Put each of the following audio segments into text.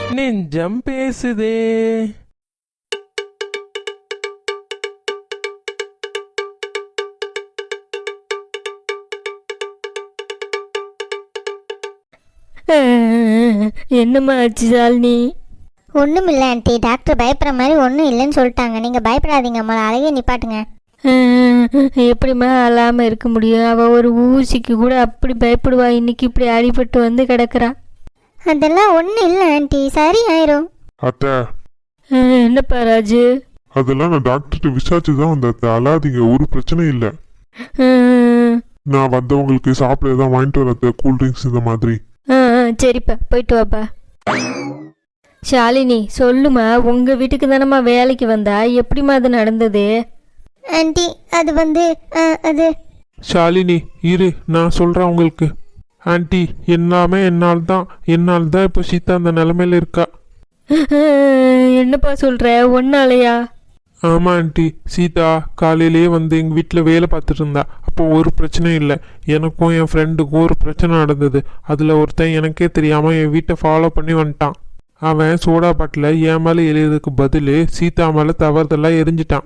நெஞ்சம் பேசுதே. என்னம்மா ஆச்சு ஷாலினி? ஒன்றும் இல்லை ஆண்டி, டாக்டர் பயப்படுற மாதிரி ஒன்றும் இல்லைன்னு சொல்லிட்டாங்க. நீங்கள் பயப்படாதீங்க, முதல்ல அழகே நிப்பாட்டுங்க. எப்படிம்மா அழாமல் இருக்க முடியும்? அவள் ஒரு ஊசிக்கு கூட அப்படி பயப்படுவா, இன்னைக்கு இப்படி அடிபட்டு வந்து கிடக்குறா. அதெல்லாம் ஒன்றும் இல்லை ஆண்டி, சரி ஆயிரும். அத்தை, என்னப்பா ராஜு? அதெல்லாம் நான் டாக்டர்கிட்ட விசாரிச்சு தான் வந்தேன் அத்தை. அழாதீங்க, ஒரு பிரச்சனை இல்லை. நான் வந்தவங்களுக்கு சாப்பிட தான் வாங்கிட்டு வரேன், கூல்ட்ரிங்க்ஸ் இந்த மாதிரி. சரிப்பா, போயிட்டு வாப்பா. ஷாலினி சொல்லுமா, உங்கள் வீட்டுக்கு தானம்மா வேலைக்கு வந்தா, எப்படிம்மா அது நடந்தது? ஆண்டி அது வந்து அது ஷாலினி இரு, நான் சொல்கிறேன் உங்களுக்கு. ஆண்டி, எல்லாமே என்னால் தான் இப்போ சீதா அந்த நிலமையில இருக்கா. என்னப்பா சொல்கிற? ஒன்னாலையா? ஆமாம் ஆண்டி, சீதா காலையிலேயே வந்து எங்கள் வீட்டில் வேலை பார்த்துட்டு இருந்தா. அப்போ ஒரு பிரச்சனையும் இல்லை. எனக்கும் என் ஃப்ரெண்டுக்கும் ஒரு பிரச்சனை நடந்தது. அதில் ஒருத்தன் எனக்கே தெரியாமல் என் வீட்டை ஃபாலோ பண்ணி வந்துட்டான். அவன் சோடா பாட்டில் என் மேலே எறியதுக்கு பதில் சீதா மேலே தவறுதெல்லாம் எரிஞ்சிட்டான்.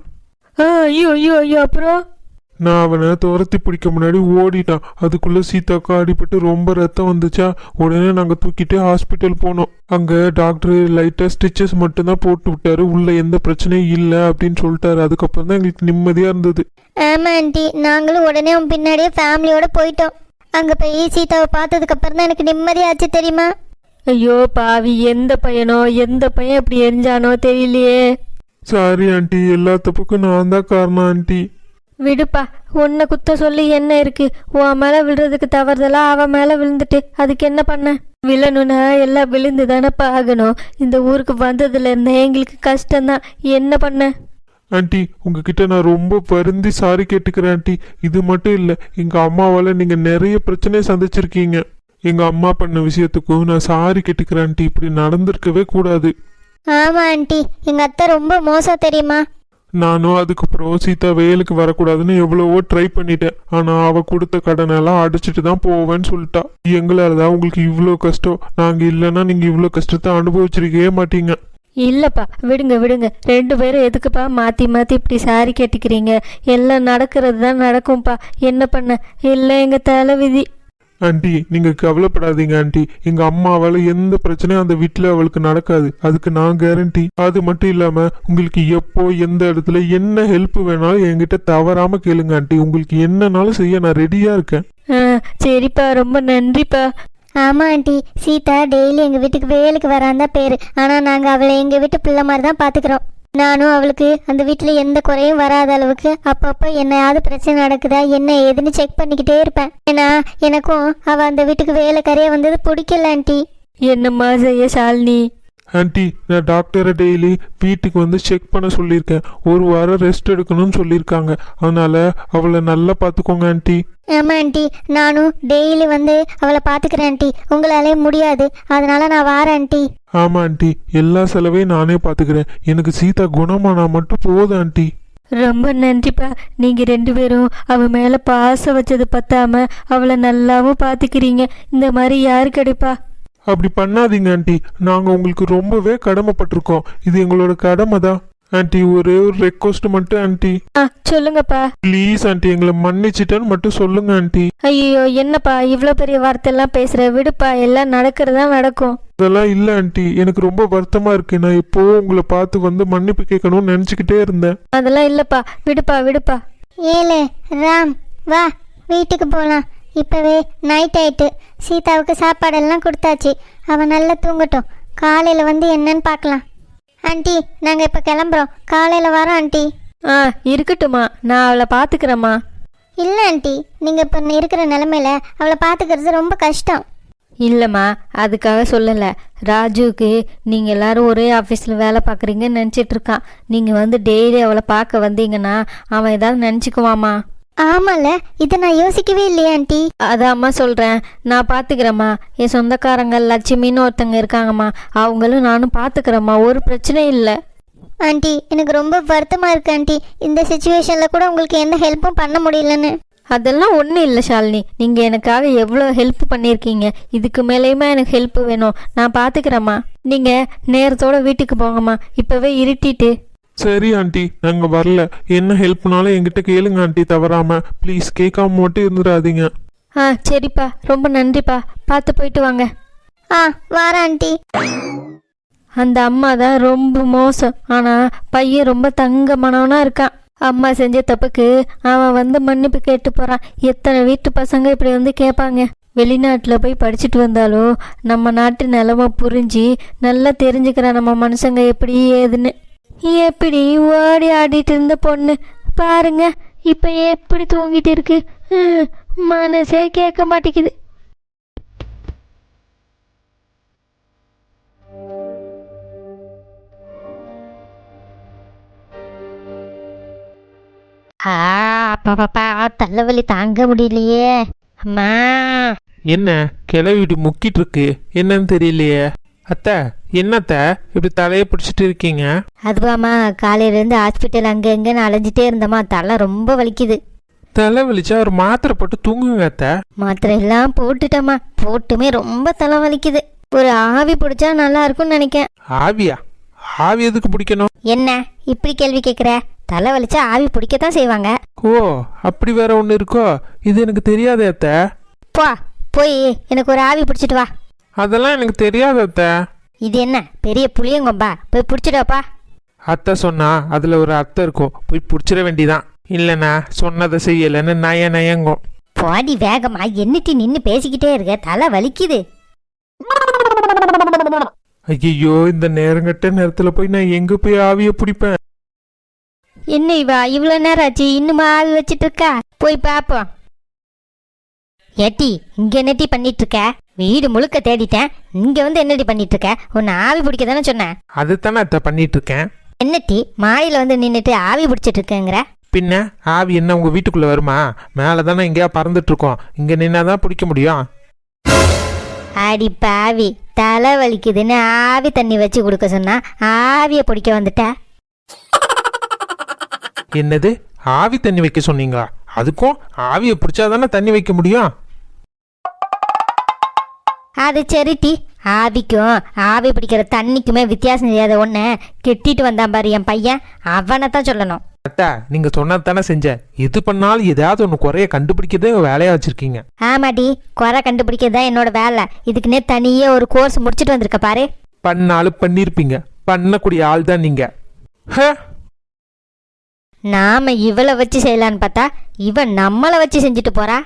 ஐயோ ஐயோ ஐயோ, அப்புறம்? நான் அவனை துரத்தி பிடிக்க முன்னாடி ஓடிட்டான். அதுக்குள்ளே சீதாக்கா அடிபட்டு ரொம்ப ரத்தம் வந்துச்சா, உடனே நாங்கள் தூக்கிட்டு ஹாஸ்பிட்டல் போனோம். அங்கே டாக்டர் லைட்டாக ஸ்டிச்சஸ் மட்டும்தான் போட்டு விட்டாரு, உள்ள எந்த பிரச்சனையும் இல்லை அப்படின்னு சொல்லிட்டாரு. அதுக்கப்புறம் தான் எங்களுக்கு நிம்மதியாக இருந்தது. ஆமாம் ஆண்டி, நாங்களும் உடனே உன் பின்னாடியே ஃபேமிலியோட போயிட்டோம். அங்கே போய் சீதாவை பார்த்ததுக்கு அப்புறம் தான் எனக்கு நிம்மதியாச்சு, தெரியுமா? ஐயோ பாவி, எந்த பையன் அப்படி எரிஞ்சானோ தெரியலையே. சாரி ஆண்டி, எல்லா தப்புக்கும் நான் தான் காரணம் ஆண்டி. விடுப்பா, உன்னை குத்த சொல்லி என்ன இருக்கு? உன் மேலே விழுறதுக்கு தவறுதெல்லாம் அவன் மேலே விழுந்துட்டு அதுக்கு என்ன பண்ண? விழணுன்னா எல்லாம் விழுந்து தானப்பா ஆகணும். இந்த ஊருக்கு வந்ததுல இருந்தே எங்களுக்கு கஷ்டம்தான், என்ன பண்ண? ஆண்டி, உங்ககிட்ட நான் ரொம்ப வருந்தி சாரி கேட்டுக்கிறேன் ஆண்டி. இது மட்டும் இல்லை, எங்கள் அம்மாவால் நீங்கள் நிறைய பிரச்சனையை சந்திச்சிருக்கீங்க. எங்கள் அம்மா பண்ண விஷயத்துக்கும் நான் சாரி கேட்டுக்கிறேன் ஆண்டி. இப்படி நடந்திருக்கவே கூடாது. ஆமாம் ஆண்டி, எங்கள் அத்தை ரொம்ப மோசம், தெரியுமா? நானும் அதுக்கப்புறம் சீதா வேலுக்கு வரக்கூடாதுன்னு எவ்வளவோ ட்ரை பண்ணிட்டேன். ஆனால் அவள் கொடுத்த கடனெல்லாம் அடிச்சிட்டு தான் போவேன்னு சொல்லிட்டா. எங்களால் தான் உங்களுக்கு இவ்வளோ கஷ்டம். நாங்கள் இல்லைன்னா நீங்கள் இவ்வளோ கஷ்டத்தை அனுபவிச்சிருக்கவே மாட்டீங்க. இல்லைப்பா, விடுங்க. 2 பேரும் எதுக்குப்பா மாற்றி இப்படி சாரி கேட்டுக்கிறீங்க? எல்லாம் நடக்கிறது தான் நடக்கும்ப்பா, என்ன பண்ண? இல்லை எங்கள் தலைவிதி. ஆண்டி, நீங்கள் கவலைப்படாதீங்க ஆண்டி. எங்கள் அம்மாவால் எந்த பிரச்சனையும் அந்த வீட்டில் அவளுக்கு நடக்காது, அதுக்கு நான் கேரண்டி. அது மட்டும் இல்லாமல் உங்களுக்கு எப்போ எந்த இடத்துல என்ன ஹெல்ப் வேணாலும் என்கிட்ட தவறாமல் கேளுங்க ஆண்டி. உங்களுக்கு என்னன்னாலும் செய்ய நான் ரெடியாக இருக்கேன். சரிப்பா, ரொம்ப நன்றிப்பா. ஆமாம் ஆண்டி, சீதா டெய்லி எங்கள் வீட்டுக்கு வேலைக்கு வராந்தான் பேர். ஆனால் நாங்கள் அவளை எங்கள் வீட்டு பிள்ளை மாதிரி தான் பார்த்துக்குறோம். நானும் அவளுக்கு அந்த வீட்டில் எந்த குறையும் வராத அளவுக்கு அப்பப்போ என்னையாவது பிரச்சனை நடக்குதா என்ன ஏதுன்னு செக் பண்ணிக்கிட்டே இருப்பேன். ஏன்னா எனக்கும் அவள் அந்த வீட்டுக்கு வேலைக்காரியாக வந்தது பிடிக்கல ஆண்டி. என்னம்மா செய்ய ஷாலினி? ஆண்டி, நான் டாக்டரை டெய்லி வீட்டுக்கு வந்து செக் பண்ண சொல்லியிருக்கேன். 1 வாரம் ரெஸ்ட் எடுக்கணும்னு சொல்லியிருக்காங்க. அதனால் அவளை நல்லா பார்த்துக்கோங்க ஆண்டி. ஆமாம் ஆண்டி, நானும் டெய்லி வந்து அவளை பார்த்துக்கிறேன் ஆண்டி. உங்களாலே முடியாது, அதனால நான் வாரேன் ஆண்டி. ஆமாம் ஆண்டி, எல்லா செலவையும் நானே பார்த்துக்கிறேன். எனக்கு சீதா குணமானா மட்டும் போதும் ஆண்டி. ரொம்ப நன்றிப்பா. நீங்கள் 2 பேரும் அவள் மேலே பாசம் வச்சது பத்தாம அவளை நல்லாவும் பார்த்துக்கிறீங்க. இந்த மாதிரி யாரு கிடைப்பா? அப்படி பண்ணாதீங்க ஆண்டி, நாங்கள் உங்களுக்கு ரொம்பவே கடமைப்பட்டிருக்கோம். இது எங்களோட கடமை தான் ஆண்டி. ஒரே ஒரு ரெக்வஸ்ட் மட்டும் ஆண்டி. சொல்லுங்கப்பா. ப்ளீஸ் ஆண்டி, எங்களை மன்னிச்சிட்டேன்னு மட்டும் சொல்லுங்க ஆண்டி. ஐயோ என்னப்பா இவ்வளோ பெரிய வார்த்தையெல்லாம் பேசுகிற? விடுப்பா, எல்லாம் நடக்கிறதா நடக்கும். அதெல்லாம் இல்லை ஆண்டி, எனக்கு ரொம்ப வருத்தமாக இருக்கு. நான் எப்போவும் உங்களை பார்த்து வந்து மன்னிப்பு கேட்கணும்னு நினச்சிக்கிட்டே இருந்தேன். அதெல்லாம் இல்லைப்பா, விடுப்பா. ஏலே ராம், வா வீட்டுக்கு போகலாம். இப்போவே நைட் ஆயிட்டு. சீதாவுக்கு சாப்பாடெல்லாம் கொடுத்தாச்சு, அவன் நல்லா தூங்கட்டும். காலையில் வந்து என்னன்னு பார்க்கலாம். ஆண்டி, நாங்கள் இப்போ கிளம்புறோம், காலையில் வரோம் ஆண்டி. இருக்கட்டும்மா, நான் அவளை பார்த்துக்கிறேம்மா. இல்லை ஆண்டி, நீங்கள் இப்போ இருக்கிற நிலமையில அவளை பார்த்துக்கிறது ரொம்ப கஷ்டம். இல்லைம்மா, அதுக்காக சொல்லலை. ராஜுவுக்கு நீங்கள் எல்லாரும் ஒரே ஆஃபீஸில் வேலை பார்க்குறீங்கன்னு நினச்சிட்ருக்கான். நீங்கள் வந்து டெய்லி அவளை பார்க்க வந்தீங்கன்னா அவன் ஏதாவது நினச்சிக்குவாம்மா. ஆமாம்ல, இதை நான் யோசிக்கவே இல்லையா ஆண்டி. அதாம்மா சொல்கிறேன், நான் பார்த்துக்கிறேம்மா. என் சொந்தக்காரங்க லட்சுமின்னு ஒருத்தங்க இருக்காங்கம்மா, அவங்களும் நானும் பார்த்துக்கிறேம்மா, ஒரு பிரச்சனையும் இல்லை. ஆண்டி, எனக்கு ரொம்ப வருத்தமாக இருக்கு ஆண்டி. இந்த சுச்சுவேஷனில் கூட உங்களுக்கு எந்த ஹெல்ப்பும் பண்ண முடியலன்னு. அதெல்லாம் ஒன்றும் இல்லை ஷாலினி, நீங்கள் எனக்காக எவ்வளோ ஹெல்ப் பண்ணியிருக்கீங்க. இதுக்கு மேலேயுமா எனக்கு ஹெல்ப் வேணும்? நான் பார்த்துக்கிறேம்மா. நீங்கள் நேரத்தோட வீட்டுக்கு போங்கம்மா, இப்போவே இருட்டிட்டு. சரி ஆண்டி, நாங்கள் வரல. என்ன ஹெல்ப்னாலும் என்கிட்ட கேளுங்க ஆண்டி, தவறாம ப்ளீஸ். கேட்காம மட்டும் இருந்துடாதீங்க. ஆ சரிப்பா, ரொம்ப நன்றிப்பா. பார்த்து போயிட்டு வாங்க. ஆ வாரேன் ஆண்டி. அந்த அம்மா தான் ரொம்ப மோசம், ஆனால் பையன் ரொம்ப தங்கமானவனா இருக்கான். அம்மா செஞ்ச தப்புக்கு அவன் வந்து மன்னிப்பு கேட்டு போகிறான். எத்தனை வீட்டு பசங்க இப்படி வந்து கேட்பாங்க. வெளிநாட்டில் போய் படிச்சுட்டு வந்தாலும் நம்ம நாட்டு நிலமை புரிஞ்சு நல்லா தெரிஞ்சுக்கிறான் நம்ம மனுஷங்க எப்படி ஏதுன்னு. எப்படி ஓடி ஆடிட்டு இருந்த பொண்ணு பாருங்க, இப்போ எப்படி தூங்கிட்டு இருக்கு. மனசே கேட்க மாட்டேங்குது. பாப்பா தலைவலி தாங்க முடியலையே அம்மா. என்ன கிளவிட்டு முக்கிட்டு இருக்கு, என்னன்னு தெரியலையே. அத்தை, என்னத்த இப்படி தலையை பிடிச்சிட்டு இருக்கீங்க? அதுவாம்மா, காலையிலேருந்து ஹாஸ்பிட்டல் அங்கே எங்கேன்னு அலைஞ்சிட்டே இருந்தம்மா, தலை ரொம்ப வலிக்குது. தலை வலிச்சா ஒரு மாத்திரை போட்டு தூங்குங்க அத்தை. மாத்திரை எல்லாம் போட்டுட்டம்மா, போட்டுமே ரொம்ப தலை வலிக்குது. ஒரு ஆவி பிடிச்சா நல்லா இருக்கும்னு நினைக்கேன். ஆவியா? ஆவி எதுக்கு பிடிக்கணும்? என்ன இப்படி கேள்வி கேட்குற? தலை வலிச்சா ஆவி பிடிக்கத்தான் செய்வாங்க. ஓ, அப்படி வேற ஒன்று இருக்கோ? இது எனக்கு தெரியாதே அத்தை. போ போய் எனக்கு ஒரு ஆவி பிடிச்சிட்டு வா. அதெல்லாம் எனக்கு தெரியாது அத்தை. இது என்ன பெரிய புளியங்கொம்பா? போய் பிடிச்சிடாப்பா. அத்தை சொன்னா அதில் ஒரு அத்தை இருக்கும், போய் பிடிச்சிட வேண்டிதான். இல்லைண்ணா சொன்னதை செய்யலைன்னு நயங்கும். பாடி வேகமா என்னட்டி நின்று பேசிக்கிட்டே இருக்க, தலை வலிக்குது. ஐயோ, இந்த நேரங்கட்ட நேரத்தில் போய் நான் எங்கே போய் ஆவியை பிடிப்பேன்? என்ன இவா இவ்வளோ நேரம் ஆச்சு இன்னுமா ஆவி வச்சிட்டு இருக்கா? போய் பாப்போம். ஏட்டி இங்க என்னட்டி பண்ணிட்டு இருக்க? வீடு முழுக்க தேடிட்டேன், இங்க வந்து என்னடி பண்ணிட்டு இருக்க? உன்னை ஆவி பிடிக்க தானே சொன்னேன். அதுதானே அத்தை பண்ணிட்டு இருக்கேன். என்னட்டி மாடியில் வந்து நின்றுட்டு ஆவி பிடிச்சிட்டு இருக்கேங்கிற? பின்ன ஆவி என்ன உங்க வீட்டுக்குள்ள வருமா? மேலே தானே எங்கேயா பறந்துட்டு இருக்கோம், இங்க நின்னாதான் பிடிக்க முடியும். அடி பாவி, தலை வலிக்குதுன்னு ஆவி தண்ணி வச்சு கொடுக்க சொன்னா ஆவியை பிடிக்க வந்துட்ட. என்னது, ஆவி தண்ணி வைக்க சொன்னீங்களா? அதுக்கும் ஆவியை பிடிச்சாதானே தண்ணி வைக்க முடியும். அது சரிட்டி, ஆவிக்கும் ஆவி பிடிக்கிற தண்ணிக்குமே வித்தியாசம் தெரியாத ஒன்று கெட்டிட்டு வந்தான் பாரு என் பையன், அவனை தான் சொல்லணும். அத்தா, நீங்க சொன்னதானே செஞ்சேன். எது பண்ணாலும் ஏதாவது ஒன்று குறைய கண்டுபிடிக்கிறதே வேலையா வச்சிருக்கீங்க. ஆமாடி, குறை கண்டுபிடிக்கிறது தான் என்னோட வேலை. இதுக்குன்னே தனியே ஒரு கோர்ஸ் முடிச்சுட்டு வந்திருக்க பாரு. பண்ணாலும் பண்ணியிருப்பீங்க, பண்ணக்கூடிய ஆள் தான் நீங்க. நாம இவளை வச்சு செய்யலான்னு பார்த்தா இவன் நம்மளை வச்சு செஞ்சுட்டு போறா.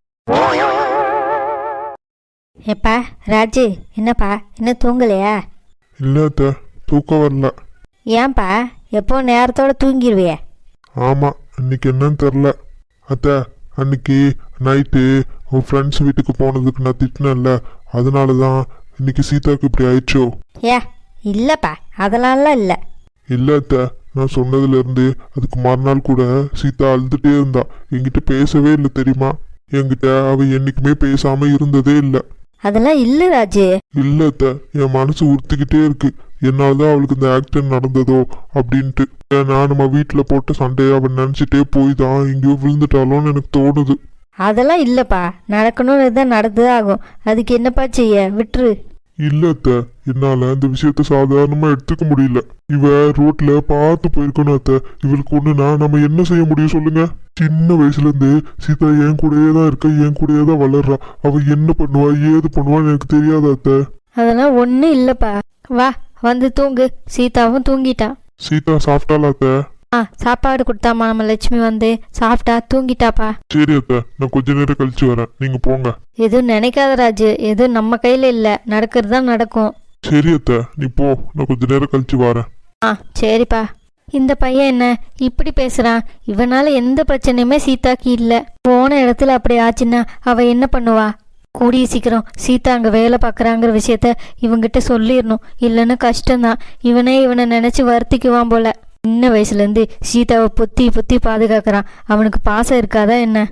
ஏப்பா ராஜு, என்னப்பா இன்னும் தூங்கலையா? இல்லை அத்தை, தூக்கம் வரல. ஏன்பா எப்போ நேரத்தோட தூங்கிடுவிய? ஆமாம், இன்னைக்கு என்னன்னு தெரில அத்தை. அன்னைக்கு நைட்டு உன் ஃப்ரெண்ட்ஸ் வீட்டுக்கு போனதுக்கு நான் திட்டினேன்ல, அதனால தான் இன்னைக்கு சீதாவுக்கு இப்படி ஆயிடுச்சோ? ஏ இல்லைப்பா, அதெல்லாம் இல்லை. இல்லை அத்தை, நான் சொன்னதுலேருந்து அதுக்கு மறுநாள் கூட சீதா அழுதுகிட்டே இருந்தா. என்கிட்ட பேசவே இல்லை தெரியுமா? என்கிட்ட அவள் என்றைக்குமே பேசாமல் இருந்ததே இல்லை. அதெல்லாம் இல்லை ராஜு. இல்லை அத்தை, என் மனசு உறுத்திக்கிட்டே இருக்கு. என்னால்தான் அவளுக்கு இந்த ஆக்சிடென்ட் நடந்ததோ அப்படின்ட்டு. நான் நம்ம வீட்டில் போட்ட சண்டையை அவன் நினச்சிட்டே போய் தான் எங்கேயோ விழுந்துட்டாலோன்னு எனக்கு தோணுது. அதெல்லாம் இல்லைப்பா, நடக்கணும்னு தான் நடந்துதான் ஆகும். அதுக்கு என்னப்பா செய்ய, விட்டுரு. இல்லை அத்தை, என்னால் இந்த விஷயத்த சாதாரணமாக எடுத்துக்க முடியல. இவ ரோட்ல பார்த்து போயிருக்கணும் அத்தை. இவளுக்கு ஒன்றுனா நம்ம என்ன செய்ய முடியும் சொல்லுங்க? சின்ன வயசுலேருந்து சீதா என் கூடயே தான் இருக்கா, என் கூடயே தான் வளர்றா. அவள் என்ன பண்ணுவா ஏது பண்ணுவான்னு எனக்கு தெரியாத அத்தை. அதெல்லாம் ஒன்றும் இல்லைப்பா, வா வந்து தூங்கு. சீதாவும் தூங்கிட்டா. சீதா சாப்பிட்டாளா அத்தை? சாப்பாடு கொடுத்தாமா நம்ம லட்சுமி, வந்து சாப்பிட்டா தூங்கிட்டாப்பா. சரி அத்தை, நான் கொஞ்ச நேரம் கழிச்சு வரேன், நீங்க போங்க. எதுவும் நினைக்காத ராஜு, எதுவும் நம்ம கையில் இல்லை, நடக்கிறது தான் நடக்கும். சரி அத்தை, நீ போ, நான் கொஞ்ச நேரம் கழிச்சு வரேன். சரிப்பா. இந்த பையன் என்ன இப்படி பேசுறான்? இவனால எந்த பிரச்சனையுமே சீதாக்கு இல்லை. போன இடத்துல அப்படி ஆச்சுன்னா அவ என்ன பண்ணுவா? கூடிய சீக்கிரம் சீதா அங்கே வேலை பார்க்குறாங்கிற விஷயத்த இவங்கிட்ட சொல்லிடணும், இல்லைன்னா கஷ்டம்தான். இவனை நினச்சி வருத்திக்குவான் போல. சின்ன வயசுலேருந்து சீதாவை பொத்தி பாதுகாக்கிறான். அவனுக்கு பாசம் இருக்காதா என்ன?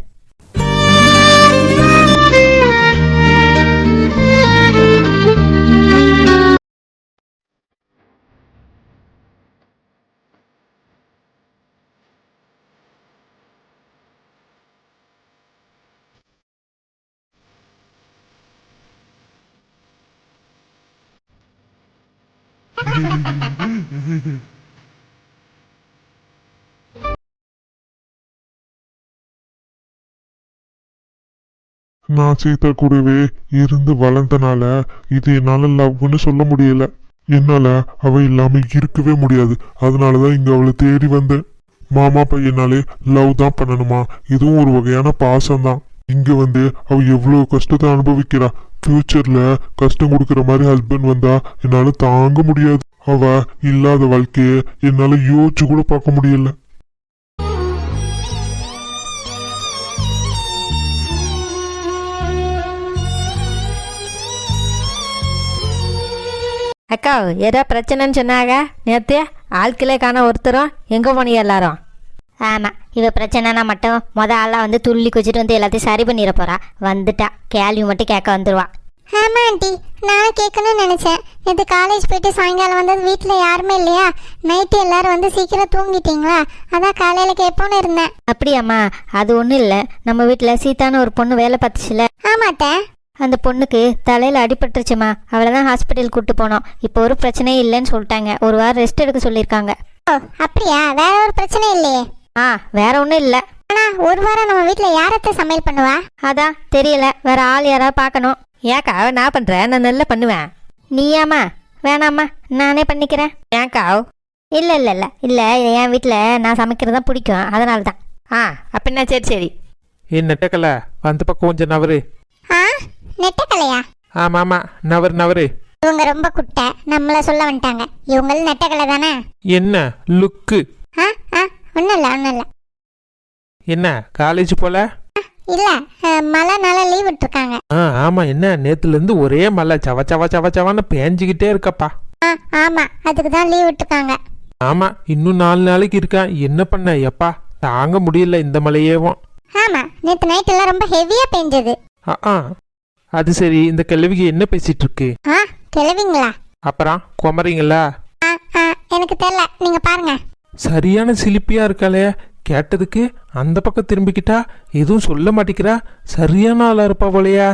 நான் சீதா கூடவே இருந்து வளர்ந்தனால இது என்னால லவ்னு சொல்ல முடியல. என்னால அவ இல்லாம இருக்கவே முடியாது. அதனாலதான் இங்க அவளை தேடி வந்தேன். மாமா பையனாலே லவ் தான் பண்ணணுமா? இதுவும் ஒரு வகையான பாசம்தான். இங்க வந்து அவ எவ்வளவு கஷ்டத்தை அனுபவிக்கிறா. ஃபியூச்சர்ல கஷ்டம் கொடுக்கற மாதிரி ஹஸ்பண்ட் வந்தா என்னால தாங்க முடியாது. அவ இல்லாத வாழ்க்கைய என்னால யோசிச்சு கூட பார்க்க முடியல. அக்கா ஏதோ பிரச்சனைன்னு சொன்னாங்க நேற்று ஆட்களே காண ஒருத்தரும் எங்கே போனீங்க எல்லாரும்? ஆமாம், இவ பிரச்சனைனா மட்டும் ஆளாக வந்து துள்ளி குச்சிட்டு வந்து எல்லாத்தையும் சரி பண்ணிட போறா. வந்துட்டா, கேள்வி மட்டும் கேட்க வந்துடுவா. ஆமாம் ஆண்டி, நான் கேட்கணும்னு நினச்சேன். நேற்று காலேஜ் போயிட்டு சாயங்காலம் வந்தது வீட்டில் யாருமே இல்லையா? நைட்டு எல்லாரும் வந்து சீக்கிரம் தூங்கிட்டீங்களா? அதான் காலையில் கேட்போன்னு இருந்தேன். அப்படியாம்மா? அது ஒன்றும் இல்லை, நம்ம வீட்டில் சீதான்னு ஒரு பொண்ணு வேலை பார்த்துச்சுல. ஆமாட்ட, அந்த பொண்ணுக்கு தலையில் அடிபட்டுருச்சுமா. அவளை தான் ஹாஸ்பிட்டல் கூப்பிட்டு போனோம். இப்போ ஒரு பிரச்சனையும் இல்லைன்னு சொல்லிட்டாங்க. ஒரு வாரம் ரெஸ்ட் எடுக்க சொல்லியிருக்காங்க. ஓ அப்படியா? வேற ஒரு பிரச்சனை இல்லையே? வேற ஒன்றும் இல்லை. ஆனால் ஒரு வாரம் நம்ம வீட்டில் யாரத்த சமையல் பண்ணுவா? அதான் தெரியல, வேற ஆள் யாராவது பார்க்கணும். ஏக்கா நான் பண்ணுறேன், நான் நல்லா பண்ணுவேன். நீயாம்மா? வேணாம்மா, நானே பண்ணிக்கிறேன். ஏக்கா? இல்லை இல்லை இல்லை இல்லை, என் வீட்டில் நான் சமைக்கிறது தான் பிடிக்கும், அதனால தான். அப்படின்னா சரி சரி. ஏன் நெட்டக்கல அந்த பக்கம் கொஞ்சம் நவரு. ஆ, நெட்டக்கலையா? ஆமாம் நவரு. இவங்க ரொம்ப குட்டை, நம்மள சொல்ல வந்துட்டாங்க. இவங்களும் நெட்டக்கலை தானே? என்ன லுக்கு? ஒன்றும் இல்லை. என்ன காலேஜ் போல? இல்லை, மழைனால லீவ் விட்டுருக்காங்க. ஆமாம். என்ன நேற்றுலேருந்து ஒரே மழை சவன்னு பேஞ்சிக்கிட்டே இருக்கப்பா. ஆமாம், அதுக்கு தான் லீவ் விட்டுருக்காங்க. ஆமாம், இன்னும் 4 நாளைக்கு இருக்கா. என்ன பண்ண எப்பா, தாங்க முடியல இந்த மழையேவும். ஆமாம், நேற்று நைட்டெல்லாம் ரொம்ப ஹெவியாக பெஞ்சது. அது சரி, இந்த கிழவிக்கு என்ன பேசிட்டு இருக்கு? கிளவிங்களா? அப்புறம் குமரிங்களா? எனக்கு தெரியல, நீங்க பாருங்க. சரியான சிலிப்பியா இருக்காளே. கேட்டதுக்கு அந்த பக்கம் திரும்பிக்கிட்டா எதுவும் சொல்ல மாட்டேங்கிறா. சரியான ஆளா இருப்பா போலையா?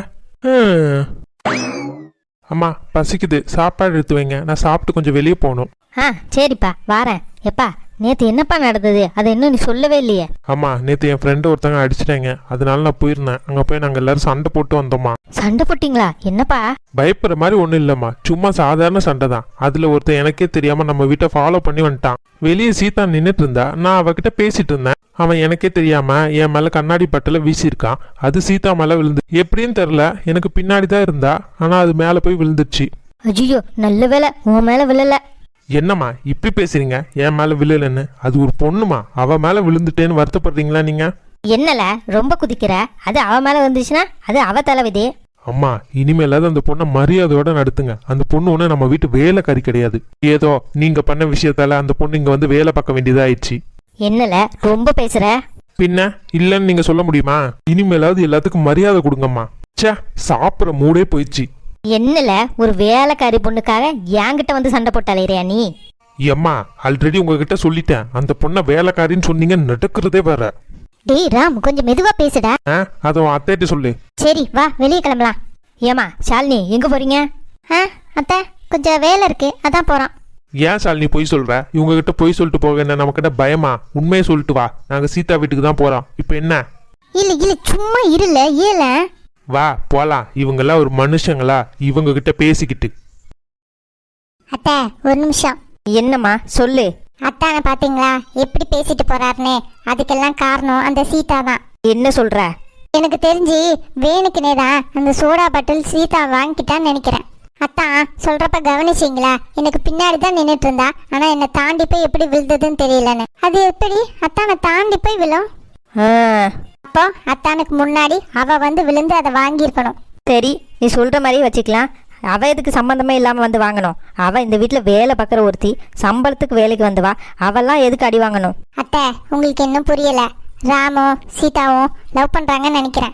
அம்மா பசிக்குது, சாப்பாடு எடுத்து வைங்க. நான் சாப்பிட்டு கொஞ்சம் வெளியே போகணும். சரிப்பா வாரேன். எப்பா நேற்று என்னப்பா நடந்தது? அதை இன்னும் நீ சொல்லவே இல்லையே. அம்மா நேற்று என் ஃப்ரெண்டு ஒருத்தங்க அடிச்சிட்டாங்க. அதனால நான் போயிருந்தேன். அங்கே போய் நாங்கள் எல்லாரும் சண்டை போட்டு வந்தோம்மா. சண்டை போட்டிங்களா? என்னப்பா? பயப்படுற மாதிரி ஒன்றும் இல்லைம்மா, சும்மா சாதாரண சண்டை தான். அதில் ஒருத்தன் எனக்கே தெரியாமல் நம்ம வீட்டை ஃபாலோ பண்ணி வந்துட்டான். வெளியே சீதா நின்றுட்டு இருந்தா, நான் அவகிட்ட பேசிட்டு இருந்தேன். அவன் எனக்கே தெரியாமல் என் மேலே கண்ணாடி பட்டில் வீசியிருக்கான். அது சீதா மேலே விழுந்து எப்படின்னு தெரில, எனக்கு பின்னாடி தான் இருந்தா. ஆனால் அது மேலே போய் விழுந்துச்சு. ஐயோ நல்ல வேலை உன் மேலே விழல. என்னம்மா இப்படி பேசுறீங்க? என் மேலே விழலன்னு? அது ஒரு பொண்ணுமா, அவ மேலே விழுந்துட்டேன்னு வருத்தப்படுறீங்களா நீங்க? என்னல ரொம்ப குதிக்கிற? அது அவ மேலே வந்துச்சுன்னா அது அவ தலைவிதி. அம்மா இனிமேலாவது அந்த பொண்ணை மரியாதையோட நடத்துங்க. அந்த பொண்ணு ஒன்று நம்ம வீட்டு வேலைக்காரி கிடையாது. ஏதோ நீங்க பண்ண விஷயத்தால அந்த பொண்ணு இங்க வந்து வேலை பார்க்க வேண்டியதாயிடுச்சு. என்னல ரொம்ப பேசுற? பின்ன இல்லைன்னு நீங்க சொல்ல முடியுமா? இனிமேலாவது எல்லாத்துக்கும் மரியாதை கொடுங்கம்மா. சே, சாப்பிட்ற மூடே போயிடுச்சு. என்னல ஒரு வேலைக்காரி பொண்ணுக்காக என்கிட்ட வந்து சண்டை போட்டாலேரியா நீ? அம்மா ஆல்ரெடி உங்ககிட்ட சொல்லிட்டேன். அந்த பொண்ணை வேலைக்காரின்னு சொன்னீங்க, நடக்கிறதே வேற. டேய் ராம், கொஞ்சம் மெதுவா பேசுடா. அதை அத்தைட்டு சொல்லு. சரி வா, வெளியே கிளம்பலாம். ஏமா ஷாலினி எங்க போறீங்க? அத்தை கொஞ்சம் வேலை இருக்கு, அதான் போறோம். ஏன் ஷாலினி பொய் சொல்ற? இவங்க கிட்ட பொய் சொல்லிட்டு போக என்ன நம்ம கிட்ட பயமா? உண்மையை சொல்லிட்டு வா, நாங்க சீதா வீட்டுக்கு தான் போறோம். இப்போ என்ன? இல்ல சும்மா இருல, ஏல வா போலாம். இவங்கெல்லாம் ஒரு மனுஷங்களா இவங்க கிட்ட பேசிக்கிட்டு? அத்தை ஒரு நிமிஷம். என்னம்மா சொல்லு. அத்தானை பாத்தீங்களா எப்படி பேசிட்டு போறாருன்னு? அதுக்கெல்லாம் காரணம் அந்த சீதா தான். என்ன சொல்ற? எனக்கு தெரிஞ்சு வேணுக்குனே தான் அந்த சோடா பாட்டில் சீதா வாங்கிட்டான்னு நினைக்கிறேன். அத்தான் சொல்றப்ப கவனிச்சிங்களா? எனக்கு பின்னாடி தான் நின்றுட்டு இருந்தா, ஆனா என்னை தாண்டி போய் எப்படி விழுந்ததுன்னு தெரியலன்னு. அது எப்படி அத்தானை தாண்டி போய் விழும்? அப்போ அத்தானுக்கு முன்னாடி அவ வந்து விழுந்து அதை வாங்கியிருக்கணும். சரி நீ சொல்ற மாதிரி வச்சுக்கலாம். அவ எதுக்கு சம்பந்தமே இல்லாம வந்து வாங்கணும்? அவ இந்த வீட்டுல வேலை பார்க்குற ஒருத்தி, சம்பளத்துக்கு வேலைக்கு வந்து வா. அவெல்லாம் எதுக்கு அடி வாங்கணும்? அத்தை உங்களுக்கு இன்னும் புரியல. ராமும் சீதாவும் லவ் பண்றாங்கன்னு நினைக்கிறேன்.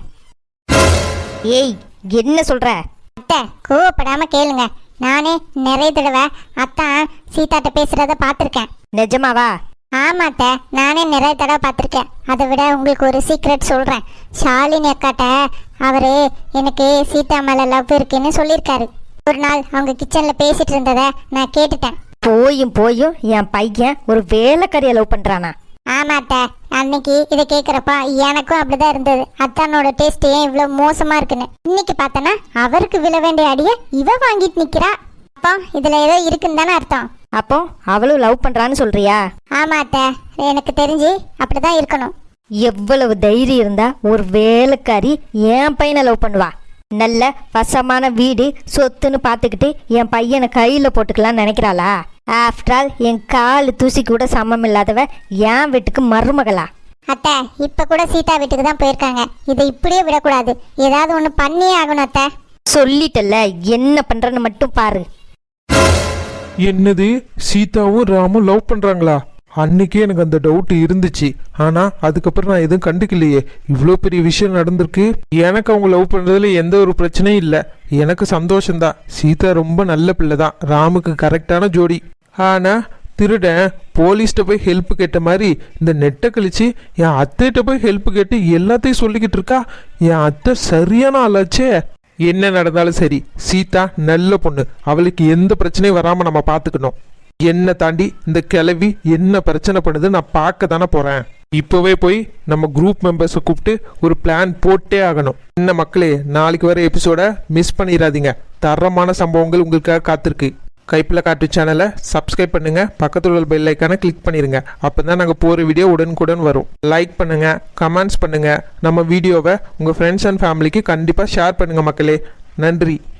ஏய் என்ன சொல்ற? அத்தை கோவப்படாம கேளுங்க. நானே நிறைய தடவை அத்தான் சீதாட்ட பேசுறத பார்த்துருக்கேன். நிஜமாவா? ஆமாத்த, நானே நிறைய தடவை பார்த்துருக்கேன். அதை விட உங்களுக்கு ஒரு சீக்ரெட் சொல்கிறேன். ஷாலினி அக்காட்ட அவரு எனக்கு சீதா மேலே லவ் இருக்குன்னு சொல்லியிருக்காரு. ஒரு நாள் அவங்க கிச்சனில் பேசிட்டு இருந்ததை நான் கேட்டுட்டேன். போயும் என் பையன் ஒரு வேலைக்காரியை லவ் பண்றானா? ஆமாத்த, அன்னைக்கு இதை கேட்குறப்ப எனக்கும் அப்படிதான் இருந்தது. அத்தானோட டேஸ்ட் ஏன் இவ்வளோ மோசமா இருக்குன்னு. இன்னைக்கு பார்த்தனா அவருக்கு விழ வேண்டிய அடியை இவ வாங்கிட்டு நிக்கிறா. அப்போ இதுல ஏதோ இருக்குன்னு தானே அர்த்தம். அப்போ அவளும் லவ் பண்றான்னு சொல்றியா? ஆமாத்த, எனக்கு தெரிஞ்சு அப்படிதான் இருக்கணும். எவ்வளவு தைரியம் இருந்தா ஒரு வேலைக்காரி என் பையனை லவ் பண்ணுவா? நல்ல வசமான வீடு சொத்துன்னு பார்த்துக்கிட்டு என் பையனை கையில் போட்டுக்கலாம்னு நினைக்கிறாளா? ஆஃப்டர் ஆல் என் கால் தூசி கூட சமம் இல்லாதவ என் வீட்டுக்கு மருமகளா? அத்தை, இப்ப கூட சீதா வீட்டுக்கு தான் போயிருக்காங்க. இதை இப்படியே விடக்கூடாது, ஏதாவது ஒன்று பண்ணியே ஆகணும் அத்தை. சொல்லிட்டல்ல, என்ன பண்றேன்னு மட்டும் பாரு. என்னது, சீதாவும் ராமும் லவ் பண்றாங்களா? அன்னைக்கே எனக்கு அந்த டவுட் இருந்துச்சு. ஆனா அதுக்கப்புறம் நான் எதுவும் கண்டுக்கலையே. இவ்வளோ பெரிய விஷயம் நடந்திருக்கு. எனக்கு அவங்க லவ் பண்றதுல எந்த ஒரு பிரச்சனையும் இல்லை. எனக்கு சந்தோஷம்தான். சீதா ரொம்ப நல்ல பிள்ளை தான், ராமுக்கு கரெக்டான ஜோடி. ஆனா திருடன் போலீஸ்கிட்ட போய் ஹெல்ப் கேட்ட மாதிரி இந்த நெட்டை கழிச்சு என் அத்தைகிட்ட போய் ஹெல்ப் கேட்டு எல்லாத்தையும் சொல்லிக்கிட்டு இருக்கா. என் அத்தை சரியான ஆளாச்சே. என்ன நடந்தாலும் சரி, சீதா நல்ல பொண்ணு. அவளுக்கு எந்த பிரச்சனையும் வராமல் நம்ம பார்த்துக்கணும். என்னை தாண்டி இந்த கிளவி என்ன பிரச்சனை பண்ணுது நான் பார்க்க தானே போகிறேன். இப்போவே போய் நம்ம குரூப் மெம்பர்ஸை கூப்பிட்டு ஒரு பிளான் போட்டே ஆகணும். என்ன மக்களே, நாளைக்கு வர எபிசோட மிஸ் பண்ணிடாதீங்க. தரமான சம்பவங்கள் உங்களுக்காக காத்திருக்கு. கைப்பில் காட்டு சேனலை சப்ஸ்கிரைப் பண்ணுங்க, பக்கத்தில் உள்ள பெல் ஐக்கானை கிளிக் பண்ணிடுங்க. அப்போ தான் நாங்கள் போகிற வீடியோ உடனுக்குடன் வரும். லைக் பண்ணுங்க, கமெண்ட்ஸ் பண்ணுங்க, நம்ம வீடியோவை உங்கள் ஃப்ரெண்ட்ஸ் அண்ட் ஃபேமிலிக்கு கண்டிப்பாக ஷேர் பண்ணுங்க மக்களே. நன்றி.